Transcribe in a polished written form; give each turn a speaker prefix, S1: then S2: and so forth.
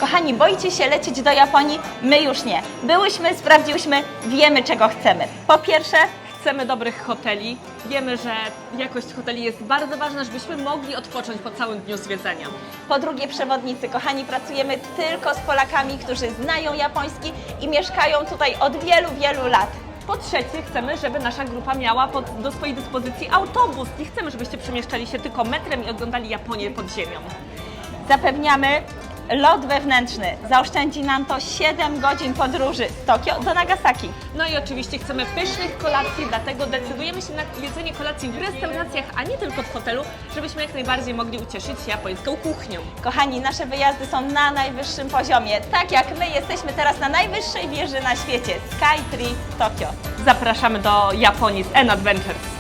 S1: Kochani, boicie się lecieć do Japonii? My już nie. Byłyśmy, sprawdziłyśmy, wiemy czego chcemy. Po pierwsze,
S2: Chcemy dobrych hoteli. Wiemy, że jakość hoteli jest bardzo ważna, żebyśmy mogli odpocząć po całym dniu zwiedzania.
S1: po drugie przewodnicy. Kochani, pracujemy tylko z Polakami, którzy znają japoński i mieszkają tutaj od wielu, wielu lat.
S2: Po trzecie, chcemy, żeby nasza grupa miała do swojej dyspozycji autobus. Nie chcemy, żebyście przemieszczali się tylko metrem i oglądali Japonię pod ziemią.
S1: Zapewniamy lot wewnętrzny. Zaoszczędzi nam to 7 godzin podróży z Tokio do Nagasaki.
S2: No i oczywiście chcemy pysznych kolacji, dlatego decydujemy się na jedzenie kolacji w restauracjach, a nie tylko w hotelu, żebyśmy jak najbardziej mogli ucieszyć się japońską kuchnią.
S1: Kochani, nasze wyjazdy są na najwyższym poziomie. Tak jak my jesteśmy teraz na najwyższej wieży na świecie, Skytree Tokio.
S2: Zapraszamy do Japonii z N Adventures.